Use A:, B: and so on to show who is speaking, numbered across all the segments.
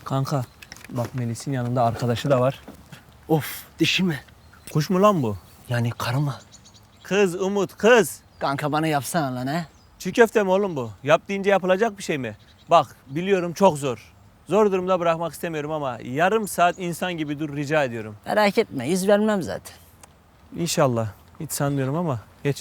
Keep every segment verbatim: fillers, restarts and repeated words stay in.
A: Kanka bak Melis'in yanında arkadaşı da var.
B: Of, dişi mi?
A: Kuş mu lan bu?
B: Yani karı mı?
A: Kız Umut kız.
B: Kanka bana yapsana lan he.
A: Çiğ köfte mi oğlum bu? Yap deyince yapılacak bir şey mi? Bak biliyorum çok zor. Zor durumda bırakmak istemiyorum ama yarım saat insan gibi dur rica ediyorum.
B: Merak etme, yüz vermem zaten.
A: İnşallah. Hiç sanmıyorum ama geç.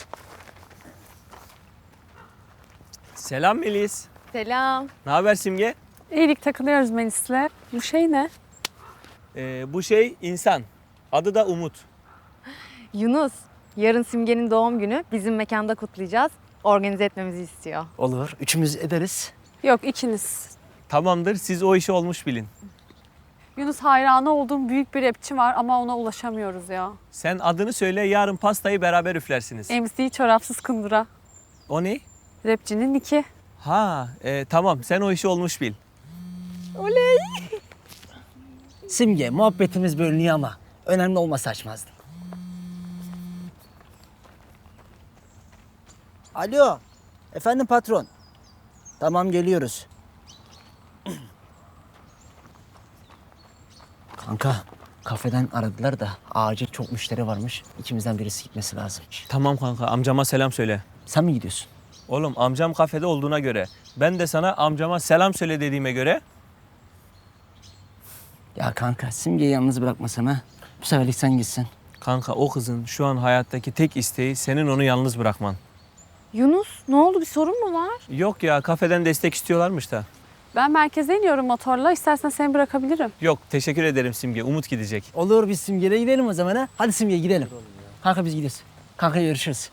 A: Selam Melis.
C: Selam.
A: Ne haber Simge?
C: İyilik takılıyoruz Melis'le. Bu şey ne?
A: Ee, bu şey insan. Adı da Umut.
C: Yunus. Yarın Simge'nin doğum günü. Bizim mekanda kutlayacağız. Organize etmemizi istiyor.
B: Olur, üçümüz ederiz.
C: Yok ikiniz.
A: Tamamdır siz o işi olmuş bilin.
C: Yunus hayranı olduğum büyük bir rapçi var ama ona ulaşamıyoruz ya.
A: Sen adını söyle yarın pastayı beraber üflersiniz.
C: M C çorapsız kundura.
A: O ne?
C: Rapçinin iki.
A: Ha e, tamam sen o işi olmuş bil.
C: Oley.
B: Simge, muhabbetimiz bölünüyor ama önemli olmasa açmazdım. Alo, efendim patron. Tamam geliyoruz. Kanka, kafeden aradılar da acil çok müşteri varmış. İkimizden birisi gitmesi lazım.
A: Tamam kanka amcama selam söyle.
B: Sen mi gidiyorsun?
A: Oğlum amcam kafede olduğuna göre ben de sana amcama selam söyle dediğime göre
B: Ya kanka, Simge'yi yalnız bırakmasana. Bu seferlik sen gitsin.
A: kanka o kızın şu an hayattaki tek isteği senin onu yalnız bırakman.
C: Yunus ne oldu, bir sorun mu var?
A: Yok ya kafeden destek istiyorlarmış da.
C: Ben merkeze iniyorum motorla. İstersen seni bırakabilirim.
A: Yok teşekkür ederim Simge. Umut gidecek.
B: Olur, biz Simge'yle gidelim o zaman ha. Hadi Simge gidelim. Kanka biz gidiyoruz. Kanka görüşürüz.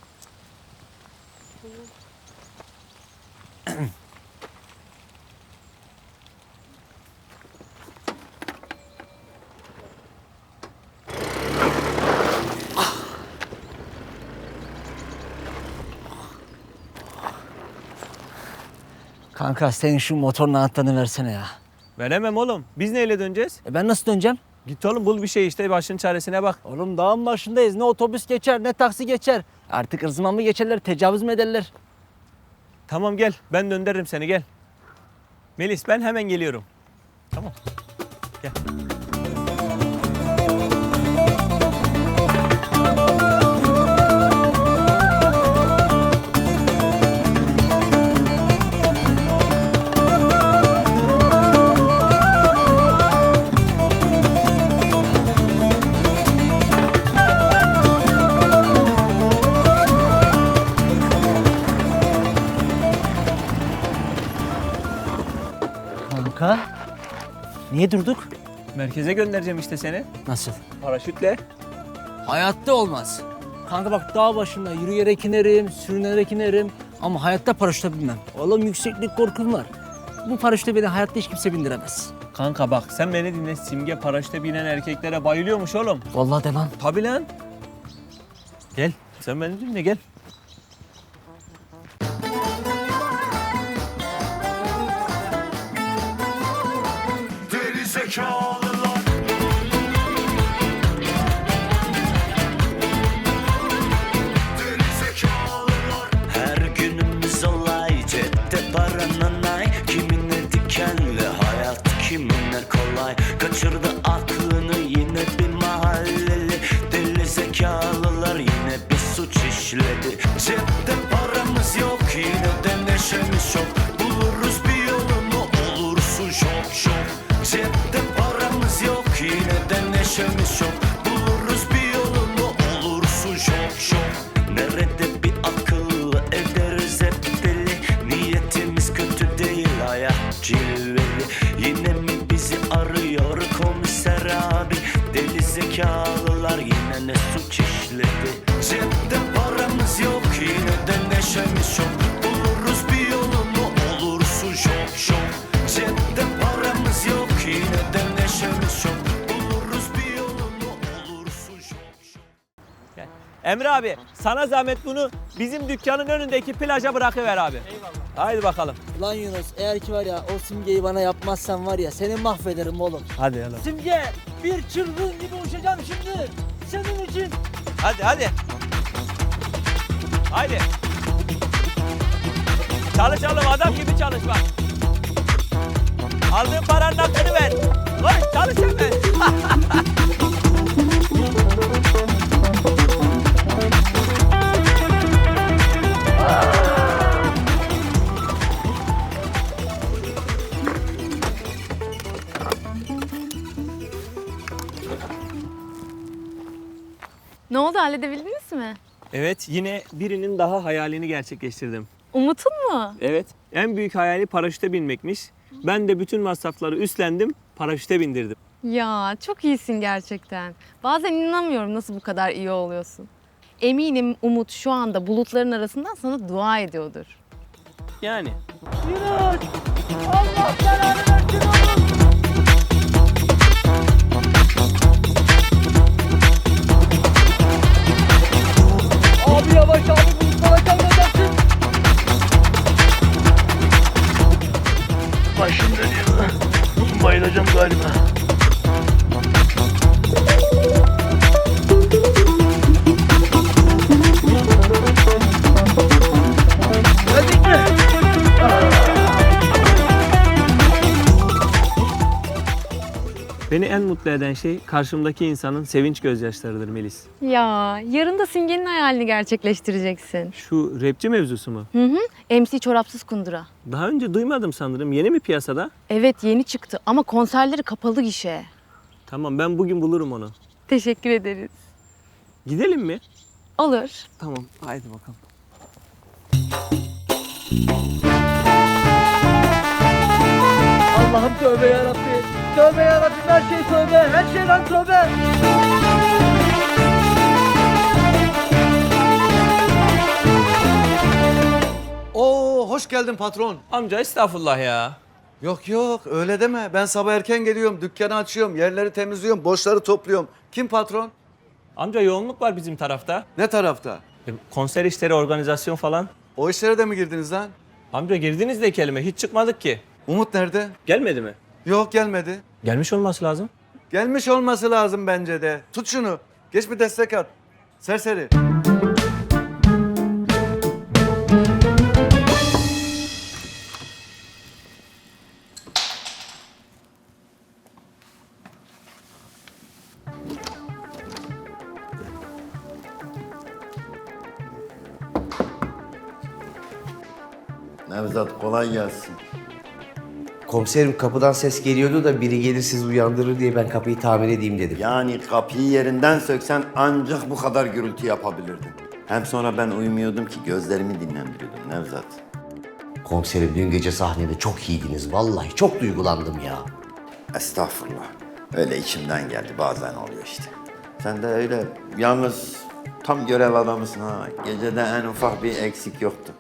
B: Kanka senin şu motorun anahtarını versene ya.
A: Veremem oğlum. Biz neyle döneceğiz?
B: E ben nasıl döneceğim?
A: Git oğlum bul bir şey işte başın çaresine bak.
B: Oğlum dağın başındayız. Ne otobüs geçer ne taksi geçer. Artık ırzıma mı geçerler, tecavüz mü ederler?
A: Tamam gel ben döndürürüm seni gel. Melis ben hemen geliyorum. Tamam. Gel.
B: Kanka niye durduk?
A: Merkeze göndereceğim işte seni.
B: Nasıl?
A: Paraşütle.
B: Hayatta olmaz. Kanka bak dağ başında yürüyerek inerim, sürünerek inerim. Ama hayatta paraşütle binmem. Oğlum yükseklik korkum var. Bu paraşütle beni hayatta hiç kimse bindiremez.
A: Kanka bak sen beni dinle. Simge paraşütle binen erkeklere bayılıyormuş oğlum.
B: Vallahi de lan.
A: Tabii lan. Gel sen beni dinle gel.
D: Deli zekalılar. Deli zekalılar.
E: Her günümüz olay, cepte paranın ay. Kimine dikenli hayat, kimine kolay. Kaçırdı aklını yine bir mahalleli. Deli zekalılar yine bir suç işledi. Cepte paramız yok, yine de neşemiz çok. Buluruz bir yolunu, olursun şok şok. Cepte paramız yok, yine de neşemiz çok. Buluruz bir yolunu, olursun şok şok. Nerede bir akıl ederiz hep deli. Niyetimiz kötü değil, hayat cilveli. Yine mi bizi arıyor komiser abi? Deli zekalılar yine ne suç işledi. Cepte paramız yok, yine de neşemiz çok. Buluruz bir yolunu, olursun şok şok. Cepte paramız yok, yine de neşemiz çok. Buluruz bir yolunu, olursun şok şok.
A: Gel. Emre abi sana zahmet bunu bizim dükkanın önündeki plaja bırakıver abi. Eyvallah. Haydi bakalım.
B: Lan Yunus eğer ki var ya o Simge'yi bana yapmazsan var ya seni mahvederim oğlum.
A: Hadi oğlum.
B: Simge bir çılgın gibi uçacağım şimdi. Senin için.
A: Hadi hadi. Haydi. Çalışalım adam gibi çalış bak. Aldığın paranın hakkını ver.
C: Ne oldu, halledebildiniz mi?
A: Evet, yine birinin daha hayalini gerçekleştirdim.
C: Umut'un mu?
A: Evet. En büyük hayali paraşüte binmekmiş. Ben de bütün masrafları üstlendim, paraşüte bindirdim.
C: Ya çok iyisin gerçekten. Bazen inanamıyorum nasıl bu kadar iyi oluyorsun. Eminim Umut şu anda bulutların arasından sana dua ediyordur.
A: Yani.
B: Abi yavaş abi bulutlara kalmayacaksın.
F: Başım dönüyor. Bayılacağım galiba.
B: Geldik mi?
A: Beni en mutlu eden şey karşımdaki insanın sevinç gözyaşlarıdır Melis.
C: Ya yarın da Simge'nin hayalini gerçekleştireceksin.
A: Şu rapçi mevzusu mu?
C: Hı hı. M C Çorapsız Kundura.
A: Daha önce duymadım sanırım. Yeni mi piyasada?
C: Evet yeni çıktı ama konserleri kapalı gişe.
A: Tamam, ben bugün bulurum onu.
C: Teşekkür ederiz.
A: Gidelim mi?
C: Olur.
A: Tamam, haydi bakalım.
B: Allah'ım tövbe yarabbi. Tövbe yarabbi, her şey tövbe. Her şeyden tövbe.
G: Oo, hoş geldin patron.
A: Amca estağfurullah ya.
G: Yok yok öyle deme. Ben sabah erken geliyorum, dükkanı açıyorum, yerleri temizliyorum, boşları topluyorum. Kim patron?
A: Amca yoğunluk var bizim tarafta.
G: Ne tarafta?
A: E, Konser işleri, organizasyon falan.
G: O işlere de mi girdiniz lan?
A: Amca girdiniz de kelime, hiç çıkmadık ki.
G: Umut nerede?
A: Gelmedi mi?
G: Yok gelmedi.
A: Gelmiş olması lazım.
G: Gelmiş olması lazım bence de. Tut şunu. Geç bir destek at. Serseri.
H: Nevzat kolay gelsin.
I: Komiserim kapıdan ses geliyordu da biri gelir sizi uyandırır diye ben kapıyı tamir edeyim dedim.
H: Yani kapıyı yerinden söksen ancak bu kadar gürültü yapabilirdin. Hem sonra ben uyumuyordum ki gözlerimi dinlendiriyordum Nevzat.
I: Komiserim dün gece sahnede çok iyiydiniz. Vallahi çok duygulandım ya.
H: Estağfurullah. Öyle içimden geldi bazen oluyor işte. Sen de öyle yalnız tam görev adamısın ha. Gecede en ufak bir eksik yoktu.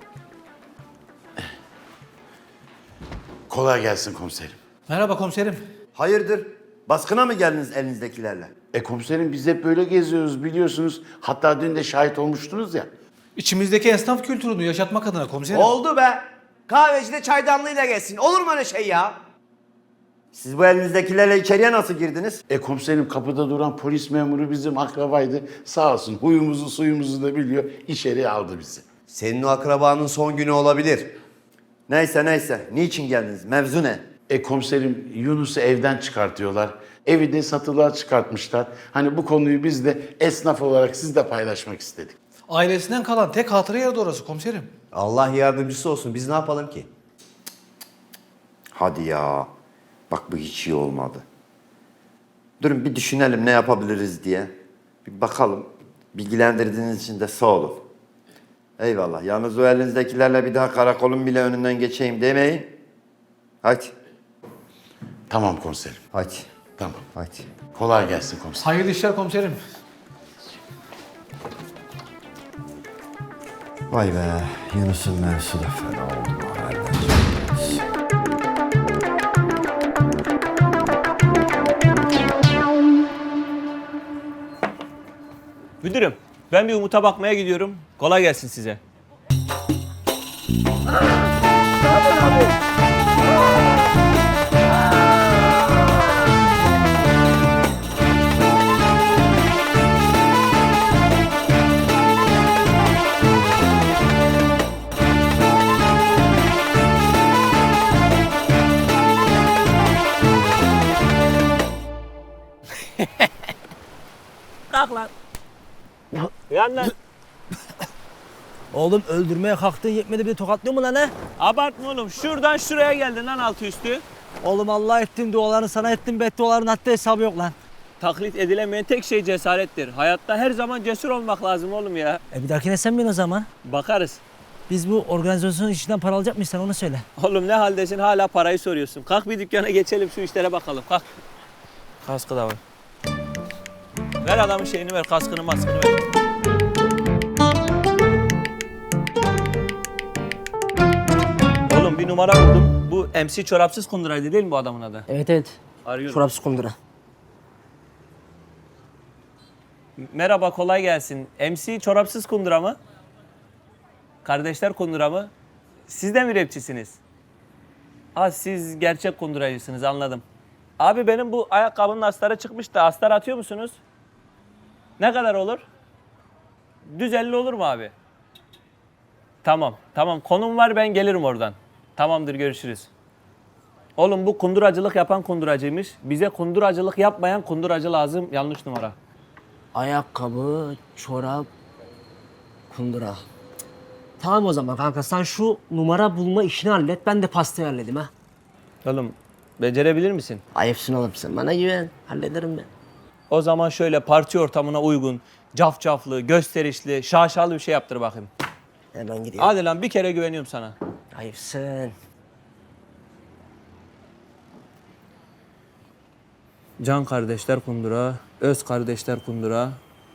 F: Kolay gelsin komiserim.
G: Merhaba komiserim.
H: Hayırdır? Baskına mı geldiniz elinizdekilerle?
F: E komiserim biz hep böyle geziyoruz biliyorsunuz. Hatta dün de şahit olmuştunuz ya.
G: İçimizdeki esnaf kültürünü yaşatmak adına komiserim.
I: Oldu be. Kahvecide çaydanlığıyla gelsin. Olur mu öyle şey ya?
H: Siz bu elinizdekilerle içeriye nasıl girdiniz?
F: E komiserim kapıda duran polis memuru bizim akrabaydı. Sağ olsun huyumuzu suyumuzu da biliyor. İçeriye aldı bizi.
I: Senin o akrabanın son günü olabilir.
H: Neyse neyse. Niçin geldiniz? Mevzu ne?
F: E komiserim Yunus'u evden çıkartıyorlar. Evi de satılığa çıkartmışlar. Hani bu konuyu biz de esnaf olarak sizle paylaşmak istedik.
G: Ailesinden kalan tek hatıra yeri de orası komiserim.
I: Allah yardımcısı olsun. Biz ne yapalım ki?
H: Hadi ya. Bak bu hiç iyi olmadı. Durun bir düşünelim ne yapabiliriz diye. Bir bakalım. Bilgilendirdiğiniz için de sağ olun. Eyvallah. Yalnız o elinizdekilerle bir daha karakolun bile önünden geçeyim demeyin. Hadi.
F: Tamam komiserim.
H: Hadi.
F: Tamam.
H: Hadi.
F: Kolay gelsin komiserim.
G: Hayırlı işler komiserim.
H: Vay be. Yunus'un mevzusu da fena oldu.
A: Müdürüm, ben bir Umut'a bakmaya gidiyorum. Kolay gelsin size. Kalk lan. Uyan lan.
B: Oğlum öldürmeye kalktın yetmedi bir de tokatlıyor mu lan he?
A: Abartma oğlum. Şuradan şuraya geldin lan altı üstü.
B: Oğlum Allah ettin dualarını sana ettim bedduaların hatta hesabı yok lan.
A: taklit edilemeyen tek şey cesarettir. Hayatta her zaman cesur olmak lazım oğlum ya.
B: E bir dahakine sen bin o zaman.
A: Bakarız.
B: Biz bu organizasyonun içinden para alacak mıyız sen onu söyle.
A: Oğlum ne haldesin hala parayı soruyorsun. Kalk bir dükkana geçelim şu işlere bakalım. Kalk. Kaskı da var. Ver adamın şeyini ver, kaskını maskını ver. Oğlum bir numara buldum. Bu M C çorapsız kunduraydı değil mi bu adamın adı?
B: Evet evet.
A: Arıyorum.
B: Çorapsız kundura.
A: Merhaba, kolay gelsin. M C çorapsız kundura mı? Kardeşler kundura mı? Siz de mi rapçisiniz? Ha siz gerçek kunduracısınız, anladım. Abi benim bu ayakkabının astarı çıkmış da astar atıyor musunuz? Ne kadar olur? Düz elli olur mu abi? Tamam, tamam. Konum var, ben gelirim oradan. Tamamdır, görüşürüz. Oğlum bu kunduracılık yapan kunduracıymış. Bize kunduracılık yapmayan kunduracı lazım. Yanlış numara.
B: Ayakkabı, çorap, kundura. Tamam o zaman kanka sen şu numara bulma işini hallet. Ben de pastayı halledeyim ha.
A: Oğlum becerebilir misin?
B: Ayıpsın oğlum sen. Bana güven. Hallederim ben.
A: O zaman şöyle parti ortamına uygun, cafcaflı, gösterişli, şaşalı bir şey yaptır bakayım.
B: Hemen gidiyorum.
A: Hadi lan bir kere güveniyorum sana.
B: Ayıpsın.
A: Can kardeşler kundura, öz kardeşler kundura.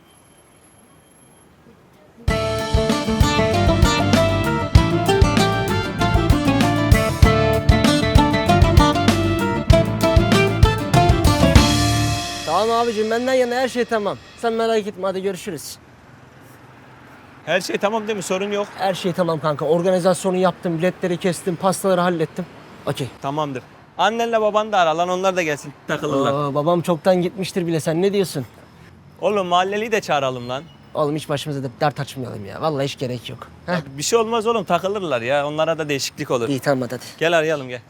B: Tamam abicim benden yana her şey tamam. Sen merak etme hadi görüşürüz.
A: Her şey tamam değil mi? Sorun yok.
B: Her şey tamam kanka. Organizasyonu yaptım, biletleri kestim, pastaları hallettim. Okey.
A: Tamamdır. Annenle baban da ara lan, onlar da gelsin takılırlar.
B: Aa, babam çoktan gitmiştir bile. Sen ne diyorsun?
A: Oğlum mahalleliyi de çağıralım lan.
B: Oğlum hiç başımıza da dert açmayalım ya. Vallahi hiç gerek yok. Heh.
A: Bir şey olmaz oğlum, takılırlar ya. Onlara da değişiklik olur.
B: İyi tamam hadi.
A: Gel arayalım gel.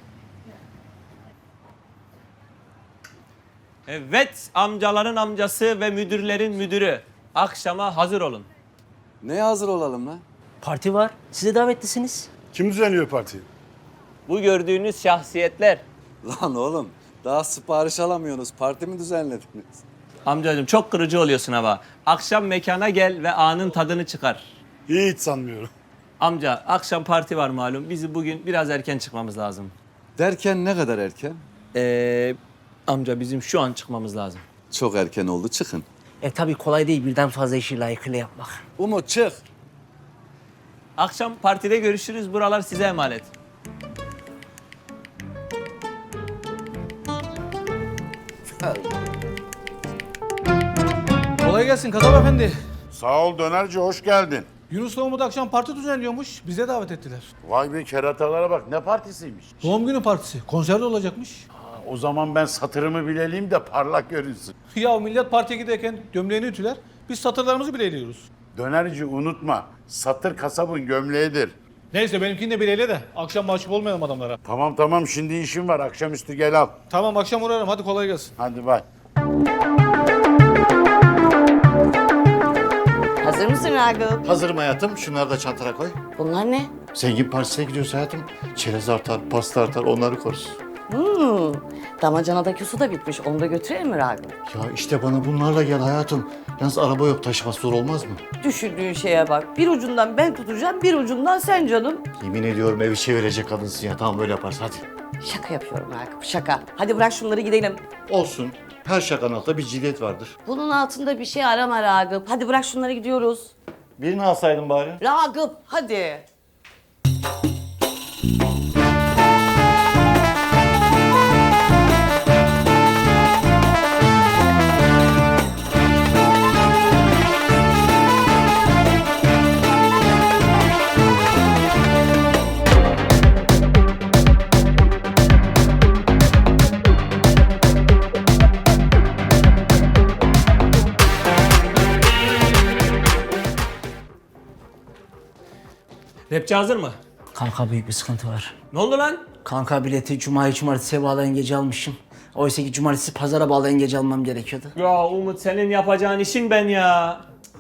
A: Evet, amcaların amcası ve müdürlerin müdürü. Akşama hazır olun.
G: Neye hazır olalım lan?
B: Parti var. Size davetlisiniz.
J: Kim düzenliyor partiyi?
A: Bu gördüğünüz şahsiyetler.
G: Lan oğlum daha sipariş alamıyorsunuz. Parti mi düzenlediniz?
A: Amcacığım çok kırıcı oluyorsun ama. Akşam mekana gel ve anın tadını çıkar.
J: Hiç sanmıyorum.
A: Amca akşam parti var malum. Bizi bugün biraz erken çıkmamız lazım.
G: Derken ne kadar erken?
A: Ee, amca bizim şu an çıkmamız lazım.
G: Çok erken oldu, çıkın.
B: E tabii kolay değil birden fazla işi layıkıyla yapmak.
G: Umut çık.
A: Akşam partide görüşürüz. Buralar size emanet.
K: Kolay gelsin Kadap Efendi.
F: Sağ ol dönerci, hoş geldin.
K: Yunus'la Umut akşam parti düzenliyormuş. Bize davet ettiler.
F: Vay be keratalara bak, ne partisiymiş.
K: Doğum günü partisi. Konser de olacakmış.
F: O zaman ben satırımı bileleyim de parlak görünsün.
K: Ya millet partiye giderken gömleğini ütüler. Biz satırlarımızı bileliyoruz.
F: Dönerci unutma, satır kasabın gömleğidir.
K: Neyse benimkini de bileyle de akşam mahcup olmayalım adamlara.
F: Tamam tamam, şimdi işim var, akşamüstü gel al.
K: Tamam akşam uğrarım. Hadi kolay gelsin.
F: Hadi bay.
L: Hazır mısın Ragıp?
J: Hazırım hayatım. Şunları da çantana koy.
L: Bunlar ne?
J: Zengin partisine gidiyoruz hayatım. Çerez artar, pasta artar, onları koruz.
L: Hmm, damacanadaki su da bitmiş. Onu da götürelim mi Ragıp?
J: Ya işte bana bunlarla gel hayatım. Yalnız araba yok, taşıması zor olmaz mı?
L: Düşündüğün şeye bak. Bir ucundan ben tutacağım, bir ucundan sen canım.
J: Yemin ediyorum evi çevirecek kadınsın ya. Tamam böyle yaparız hadi.
L: Şaka yapıyorum Ragıp, şaka. Hadi bırak şunları gidelim.
J: Olsun. Her şakanın altında bir ciddiyet vardır.
L: Bunun altında bir şey arama Ragıp. Hadi bırak şunları, gidiyoruz.
J: Birini alsaydın bari.
L: Ragıp hadi.
A: Rapçi hazır mı?
B: Kanka büyük bir sıkıntı var.
A: Ne oldu lan?
B: Kanka bileti Cuma'yı cumartesiye bağlayan gece almışım. Oysa ki cumartesi pazara bağlayan gece almam gerekiyordu.
A: Ya Umut senin yapacağın işin ben ya.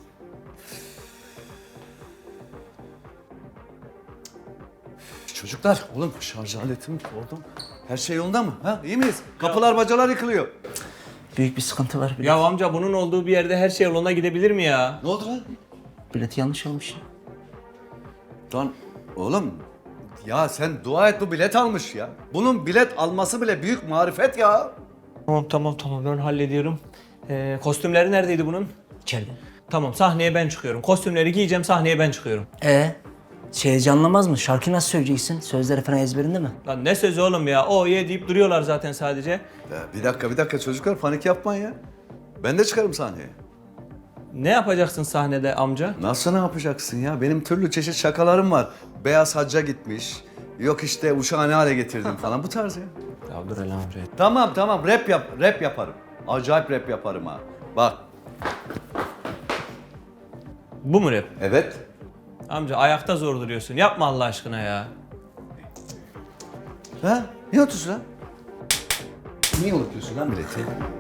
G: Çocuklar, oğlum şarj aletimi koydum. Her şey yolunda mı? Ha? İyi miyiz? Kapılar bacalar yıkılıyor.
B: Büyük bir sıkıntı var. Bilet,
A: Ya amca bunun olduğu bir yerde her şey yoluna gidebilir mi ya?
G: Ne oldu lan?
B: bileti yanlış almış.
G: Lan oğlum ya sen dua et bu bilet almış ya. Bunun bilet alması bile büyük marifet ya.
A: Tamam tamam tamam ben hallediyorum. Ee, kostümleri neredeydi bunun?
B: İçeride.
A: Tamam sahneye ben çıkıyorum. Kostümleri giyeceğim sahneye ben çıkıyorum.
B: E şey heyecanlamaz mı? Şarkıyı nasıl söyleyeceksin? Sözleri falan ezberinde mi?
A: Lan ne sözü oğlum ya? O ye deyip duruyorlar zaten sadece.
G: Ya bir dakika bir dakika çocuklar panik yapmayın ya. Ben de çıkarım sahneye.
A: Ne yapacaksın sahnede amca?
G: Nasıl ne yapacaksın ya? Benim türlü çeşit şakalarım var. Beyaz hacca gitmiş. Yok işte uşağı ne hale getirdim falan bu tarz ya.
A: Ya dur hele amca.
G: Tamam tamam rap yap rap yaparım. Acayip rap yaparım ha. Bak.
A: Bu mu rap?
G: Evet.
A: Amca ayakta zor duruyorsun. Yapma Allah aşkına ya.
G: Ha? Niye unutuyorsun lan? Niye unutuyorsun lan bileti?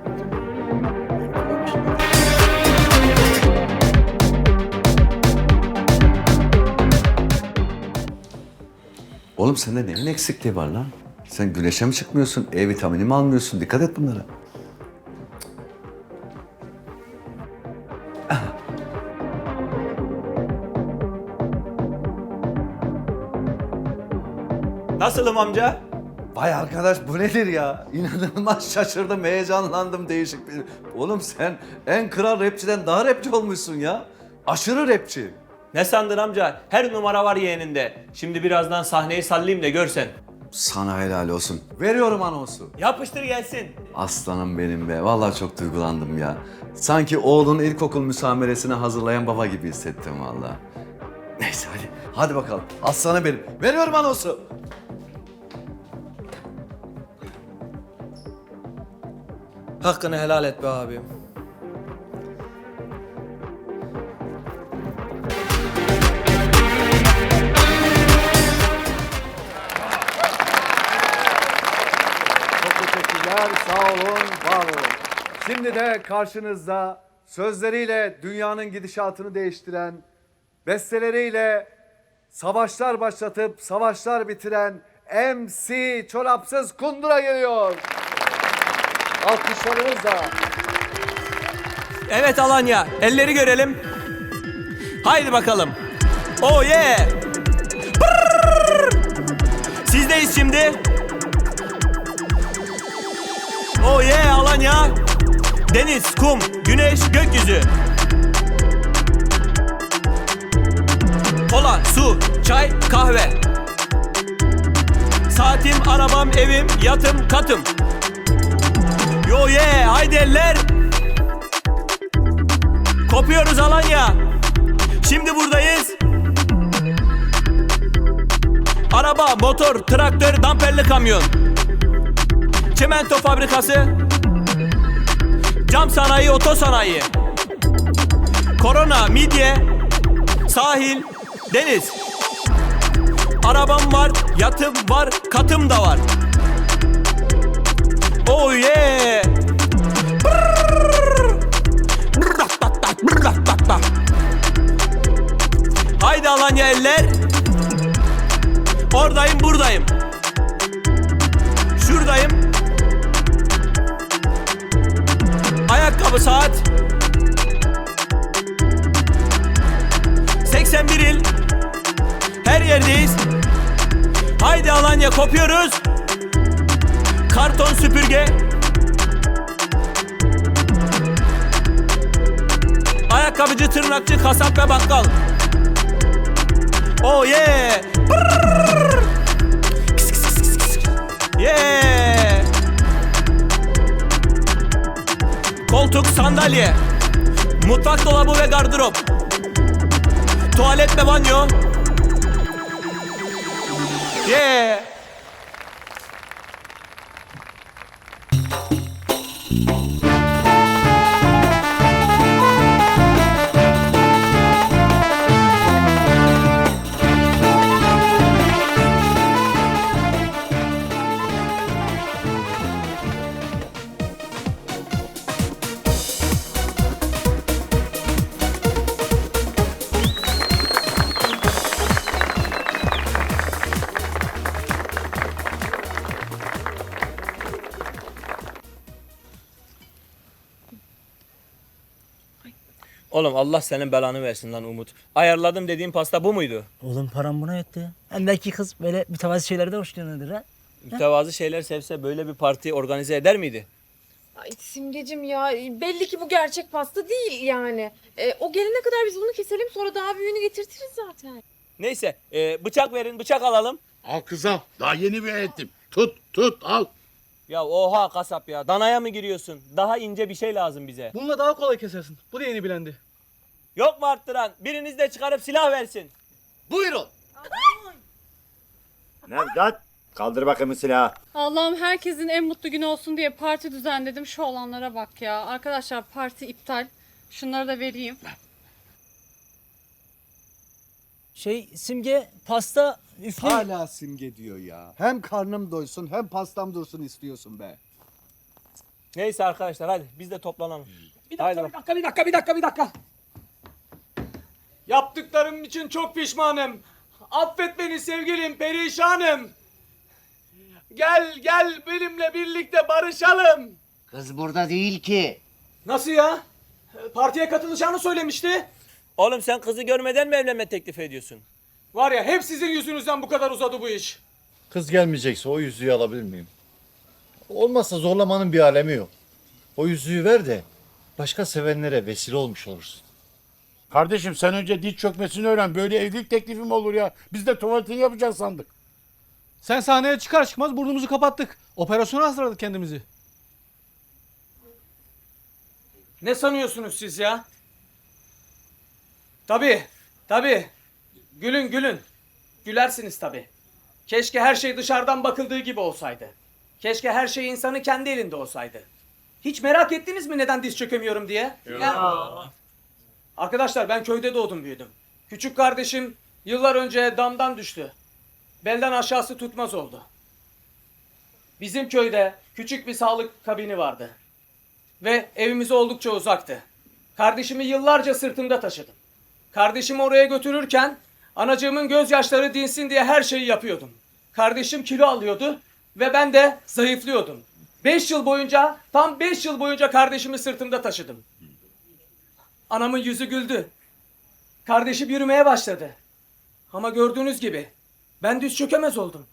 G: Oğlum sende neyin eksikliği var lan? Sen güneşe mi çıkmıyorsun? E vitamini mi almıyorsun? Dikkat et bunlara.
A: Nasılım amca?
G: Vay arkadaş bu nedir ya? İnanılmaz şaşırdım, heyecanlandım değişik bir... Oğlum sen en kral rapçiden daha rapçi olmuşsun ya. Aşırı rapçi.
A: Ne sandın amca? Her numara var yeğeninde. Şimdi birazdan sahneyi sallayayım da görsen.
G: Sana helal olsun. Veriyorum anonsu.
A: Yapıştır gelsin.
G: Aslanım benim be. Vallahi çok duygulandım ya. Sanki oğlun ilkokul müsameresine hazırlayan baba gibi hissettim vallahi. Neyse hadi. Hadi bakalım. Aslanım benim. Veriyorum anonsu.
A: Hakkını helal et be abim.
G: Çok teşekkürler. Sağ olun, var olun. Şimdi de karşınızda sözleriyle dünyanın gidişatını değiştiren, besteleriyle savaşlar başlatıp savaşlar bitiren M C Çorapsız Kundura geliyor. Alkışlarınızla.
A: Evet Alanya, elleri görelim. Haydi bakalım. Oh yeah. Brrr. Sizdeyiz şimdi. Oh yeah Alanya. Deniz, kum, güneş, gökyüzü. Kola, su, çay, kahve. Saatim, arabam, evim, yatım, katım. Yo yeah, haydi eller. Kopuyoruz Alanya. Şimdi buradayız. Araba, motor, traktör, damperli kamyon. Çimento fabrikası. Cam sanayi, oto sanayi. Korona, midye. Sahil, deniz. Arabam var, yatım var, katım da var. Oh yeah. Haydi Alanya eller. Oradayım, buradayım. Şuradayım. Ayakkabı, saat. seksen bir il. Her yerdeyiz. Haydi Alanya kopuyoruz. Karton, süpürge. Ayakkabıcı, tırnakçı, kasap ve bakkal. Oh yeah. Brrr. Kıs kıs kıs kıs kıs. Yeah. Koltuk, sandalye. Mutfak dolabı ve gardırop. Tuvalet ve banyo. Yeah. Oğlum Allah senin belanı versin lan Umut. Ayarladım dediğin pasta bu muydu?
B: Oğlum param buna yetti. Hem belki kız böyle mütevazi şeylerden hoşlanıyordur ha.
A: Mütevazı şeyler sevse böyle bir parti organize eder miydi?
C: Ay Simgecim ya belli ki bu gerçek pasta değil yani. E, o gelene kadar biz bunu keselim sonra daha büyüğünü getirtiriz zaten.
A: Neyse e, bıçak verin bıçak alalım.
F: Al kız al. Daha yeni bir ettim. Tut tut al.
A: Ya oha kasap ya danaya mı giriyorsun? Daha ince bir şey lazım bize.
K: Bununla daha kolay kesersin. Bu da yeni bilendi.
A: Yok mu arttıran? Biriniz de çıkarıp silah versin.
F: Buyurun.
H: Nevzat kaldır bakayım silahı.
M: Allah'ım herkesin en mutlu günü olsun diye parti düzenledim. Şu olanlara bak ya. Arkadaşlar parti iptal. Şunları da vereyim.
B: Şey Simge pasta üfle.
J: Hala Simge diyor ya. Hem karnım doysun hem pastam dursun istiyorsun be.
A: Neyse arkadaşlar hadi biz de toplanalım.
K: Bir dakika, bir dakika, bir dakika, bir dakika, bir dakika. Yaptıklarım için çok pişmanım. Affet beni sevgilim, perişanım. Gel, gel benimle birlikte barışalım.
I: Kız burada değil ki.
K: Nasıl ya? Partiye katılacağını söylemişti.
A: Oğlum sen kızı görmeden mi evlenme teklif ediyorsun?
K: Var ya hep sizin yüzünüzden bu kadar uzadı bu iş.
J: Kız gelmeyecekse o yüzüğü alabilir miyim? Olmazsa zorlamanın bir alemi yok. O yüzüğü ver de başka sevenlere vesile olmuş olursun.
F: Kardeşim sen önce diz çökmesini öğren. Böyle evlilik teklifi mi olur ya? Biz de tuvaletini yapacağız sandık.
K: Sen sahneye çıkar çıkmaz burnumuzu kapattık. Operasyona hazırladık kendimizi. Ne sanıyorsunuz siz ya? Tabii, tabii. Gülün gülün. Gülersiniz tabii. Keşke her şey dışarıdan bakıldığı gibi olsaydı. Keşke her şey insanın kendi elinde olsaydı. Hiç merak ettiniz mi neden diz çökemiyorum diye? Ya. Arkadaşlar ben köyde doğdum büyüdüm. Küçük kardeşim yıllar önce damdan düştü. Belden aşağısı tutmaz oldu. Bizim köyde küçük bir sağlık kabini vardı. Ve evimiz oldukça uzaktı. Kardeşimi yıllarca sırtımda taşıdım. Kardeşimi oraya götürürken anacığımın gözyaşları dinsin diye her şeyi yapıyordum. Kardeşim kilo alıyordu ve ben de zayıflıyordum. Beş yıl boyunca, tam beş yıl boyunca kardeşimi sırtımda taşıdım. Anamın yüzü güldü. Kardeşim yürümeye başladı. Ama gördüğünüz gibi ben düz çökemez oldum.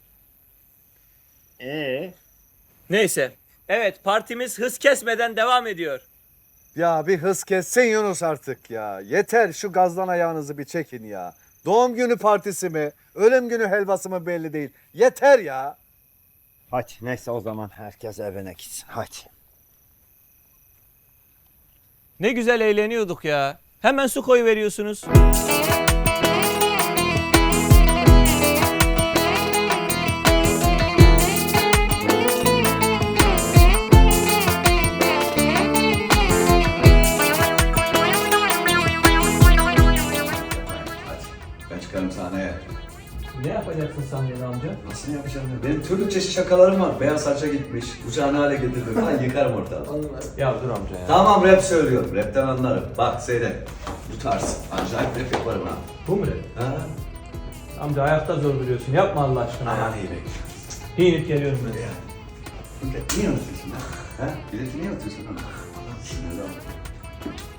A: Ee? Neyse. Evet partimiz hız kesmeden devam ediyor.
J: Ya bir hız kessin Yunus artık ya. Yeter şu gazdan ayağınızı bir çekin ya. Doğum günü partisi mi, ölüm günü helvası mı belli değil. Yeter ya.
H: Hadi neyse o zaman herkes evine gitsin hadi.
A: Ne güzel eğleniyorduk ya. Hemen su koyu veriyorsunuz.
G: Ben çıkarım sahneye.
A: Ne yapacaksın sen beni amca?
G: Nasıl ne yapacağım ya? Benim türlü çeşit şakalarım var. Beyaz saça gitmiş, uçağını hale getirdim falan yıkarım ortalığı.
A: Ya dur amca ya.
G: Tamam rap söylüyorum, rapten anlarım. Bak seyret. Bu tarz. Acayip rap yaparım ha.
A: Bu mu rap?
G: Ha?
A: Amca ayakta zor duruyorsun. Yapma Allah aşkına.
G: Aman iyi be.
A: Giyinip geliyorum ben.
G: Ya. Niye unutuyorsun ha? Ha? Bileti niye unutuyorsun ha? Allah sinirlenme.